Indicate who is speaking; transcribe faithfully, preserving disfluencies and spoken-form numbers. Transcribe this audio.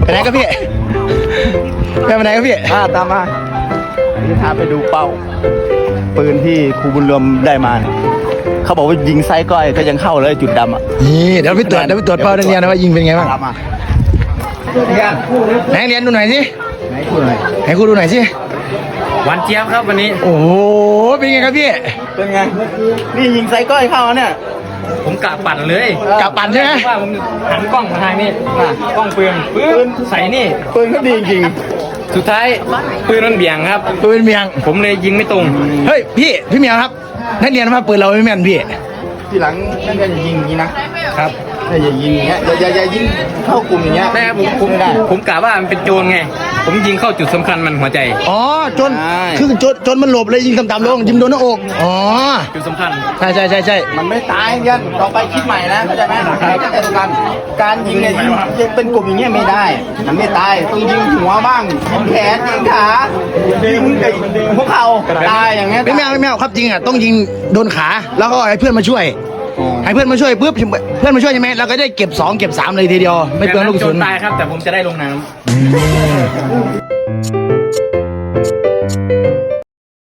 Speaker 1: ไปไหนครับพี่ไปไหนครับพี่อ่าตามมาพี่พาไปดูเป้าปืนที่ครูบุญรวมได้มาเขาบอกว่ายิงไซก้อยก็ยังเข้าเลยจุดดำอ่ะนี่เดี๋ยวไปตรวจเดี๋ยวไปตรวจเป้านักเรียนนะว่ายิงเป็นไงบ้างไหนเรียนดูหน่อยสิไหนครูหน่อยไหนครูดูหน่อยสิ
Speaker 2: หวานเจี๊ยบครับวันนี้
Speaker 1: โอ้โหเป็นไงครับพี่เป็นไงนี่ยิงไซก้อยเข้าเนี่ย
Speaker 2: ผมกะปั่นเลย
Speaker 1: กะปั่นใช่ไหม
Speaker 2: ว่าผมหันกล้องมาทางนี้กล้องปืนปืนใส่นี่
Speaker 1: ปืนก็ดีจริง
Speaker 2: สุดท้ายปืนมันเบี่ยงครับ
Speaker 1: ปืนเบี่ยง
Speaker 2: ผมเลยยิงไม่ตรง
Speaker 1: เฮ้ยพี่พี่เมียครับนักเรียนมาปืนเราไม่แม่นพี่ทีหลังนักเรียนอย่ายิงอย่างนี้นะครับอย่ายิงอย่างเงี้ยอย่าอย่ายิงเข้ากลุ่มอย่างเงี้ย
Speaker 2: ได้ผมผมผมกะว่ามันเป็นโจรไงผมยิงเข้าจุดสำคัญมันหัวใจ
Speaker 1: อ๋อจนคือจนจนมันหลบเลยยิงต่ำๆลงยิงโดนหน้าอกอ๋อ
Speaker 2: จุดสำคัญ
Speaker 1: ใช่ใช่ใช่ใช่มันไม่ตายยันต่อไปคิดใหม่นะเข้าใจไหมแต่การการยิงเนี่ยยิงเป็นกลุ่มอย่างเงี้ยไม่ได้มันไม่ตายต้องยิงหัวบ้างยิงแขนยิงขายิงพวกเขาตายอย่างเงี้ยไม่แมวไม่แมวครับจริงอ่ะต้องยิงโดนขาแล้วก็ให้เพื่อนมาช่วยให้เพื่อนมาช่วยปุ๊บเพื่อนมาช่วยใช่ไหมเราก็ได้เก็บสองเก็บสามเลยทีเดียวไม่เปลืองลูกกระสุน
Speaker 2: ตายครับแต่ผมจะได้ลงน้ำ